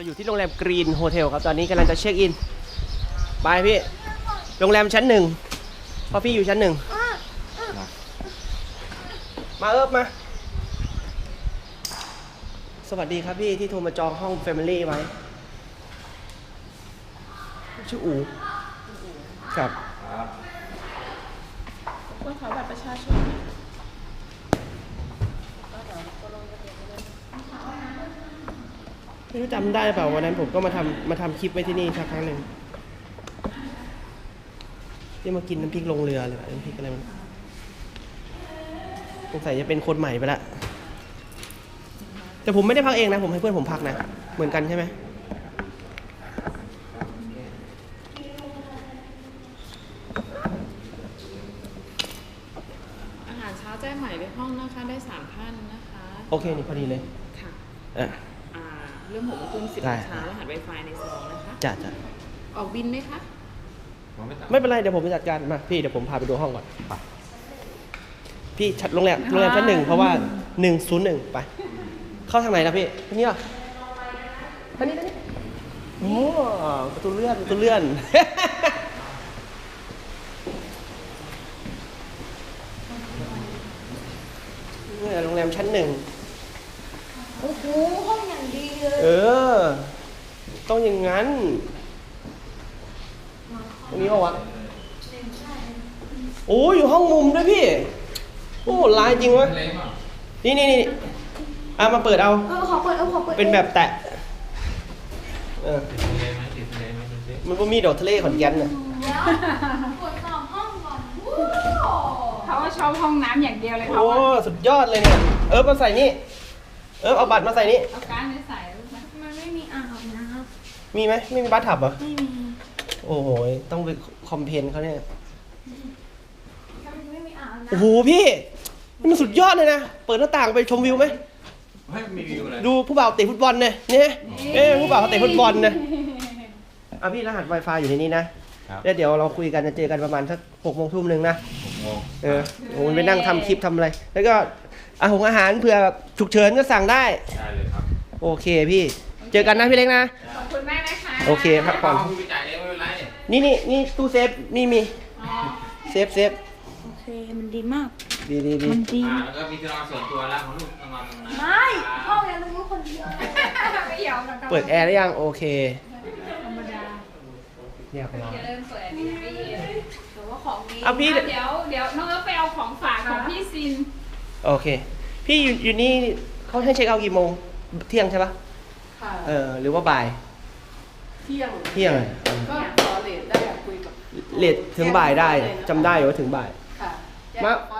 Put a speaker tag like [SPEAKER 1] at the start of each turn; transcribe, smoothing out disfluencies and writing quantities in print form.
[SPEAKER 1] อยู่ที่โรงแรมกรีนโฮเทลครับตอนนี้กำลังจะเช็คอินไปพี่โรงแรมชั้นหนึ่งเพราะพี่อยู่ชั้นหนึ่งมามาสวัสดีครับพี่ที่โทรมาจองห้อง Family ไว้ชื่ออูครับ
[SPEAKER 2] คุณขอบัตรประชาชน
[SPEAKER 1] ไม่รู้จำได้เปล่าวันนั้นผมก็มาทำคลิปไว้ที่นี่สักครั้งหนึ่งที่มากินน้ำพริกลงเรือเลยน้ำพริกอะไรมันสงสัยจะเป็นคนใหม่ไปละแต่ผมไม่ได้พักเองนะผมให้เพื่อนผมพักนะเหมือนกันใช่ไหม
[SPEAKER 2] อาหารเช้าแจ้งใหม่ในห้องนะคะได้3ท่านนะคะ
[SPEAKER 1] โอเคนี่พอดีเลย
[SPEAKER 2] ค่ะ
[SPEAKER 1] เ
[SPEAKER 2] เริ่ม6 โมงครึ่ง10 โมงเช้ารหัส Wi-Fi ในซองนะคะ
[SPEAKER 1] จ้ะ
[SPEAKER 2] ออกบินไหมคะ
[SPEAKER 1] ไม่เป็นไรเดี๋ยวผมไปจัดการมาพี่เดี๋ยวผมพาไปดูห้องก่อนไปพี่ชัดโรงแรมชั้นหนึ่งเพราะว่า101ไปเข้าทางไหนนะพี่ทางนี้เหรอทางนี้โอ้ประตูเลื่อนนี่โรงแรมชั้นหนึ่ง
[SPEAKER 3] โอ้โหห้องอย่างดีเลย
[SPEAKER 1] ต้องอย่างนั้นตรงนี้ป่าวะโอ้อยู่ห้องมุมด้วยพี่โอ้ลายจริงวะนี่มาเปิดเอา
[SPEAKER 3] ขอเปิด
[SPEAKER 1] เป็นแบบแตะมันก็มีดอกทะเลขอนแก่นน่ะ
[SPEAKER 3] ตรวจสอบห้องก่อน
[SPEAKER 2] เขาว่าชอบห้องน้ำอย่างเดียวเลยเขา
[SPEAKER 1] โอ้สุดยอดเลยเนี่ยมาใส่นี่เอาบัตรมาใส่นี่
[SPEAKER 2] เอาการ์ดไปใส่
[SPEAKER 3] มันไม่มีอ่างอาบน้
[SPEAKER 1] ำมีไหมไม่มีบัตรถับเหรอ
[SPEAKER 3] ไม่มี
[SPEAKER 1] โอ้โหต้องไปคอมเพลนเขาเนี่ย
[SPEAKER 3] ไม่มีอ่างอาบน้ำ
[SPEAKER 1] โอ้โหพี่นี่มันสุดยอดเลยนะเปิดหน้าต่างไปชมวิวไหม
[SPEAKER 4] ไม่มีวิวเลย
[SPEAKER 1] ดูผู้บ่าวเตะฟุตบอลเนี่ยผู้บ่าวเขาเตะฟุตบอลเนี่ยพี่รหัส Wi-Fi อยู่ในนี้นะแล้วเดี๋ยวเราคุยกันจะเจอกันประมาณสัก6 โมงทุ่มหนึ่งนะโอ้ไปนั่งทำคลิปทำอะไรแล้วก็อาหารเผื่อฉุกเฉินก็สั่งได้
[SPEAKER 4] ได้เลยครับ
[SPEAKER 1] โอเคพี่เจอกันนะพี่เล็กนะ
[SPEAKER 2] ขอบคุณมากนะคะ
[SPEAKER 1] โอเคพักผ่อนนี่ตู้เซฟนี่มีเซฟ
[SPEAKER 3] โอเคมันดีมาก
[SPEAKER 1] ดี
[SPEAKER 3] มันดี
[SPEAKER 4] แล้วก็มีที่นอนส่วนตัวแล้วของลูกนอนตรงนั้น
[SPEAKER 3] ไม่ห้องยังต้องรู้คนเดียว
[SPEAKER 2] ไม่ยอม
[SPEAKER 1] เปิดแอร์ได้ยังโอเค
[SPEAKER 2] ธรรมดา
[SPEAKER 1] เรียบร้อย
[SPEAKER 2] เริ่มเปิดไม่เย็นแต่ว่าของนี้
[SPEAKER 1] พี่
[SPEAKER 2] เดี๋ยวน้องเอิร์ธไปเอาของฝากของพี่ซิน
[SPEAKER 1] โอเคพี่อยู่นี่เขาให้เช็คเอาท์กี่โมงเที่ยงใช่ปะ
[SPEAKER 5] ค่ะ
[SPEAKER 1] หรือว่าบ่าย
[SPEAKER 5] เที่ยง
[SPEAKER 1] เลย
[SPEAKER 5] ก็ขอเลทได้คุยกับ
[SPEAKER 1] เลทถึงบ่ายได้จำได้ว่าถึงบ่าย
[SPEAKER 5] ค่ะ
[SPEAKER 1] มา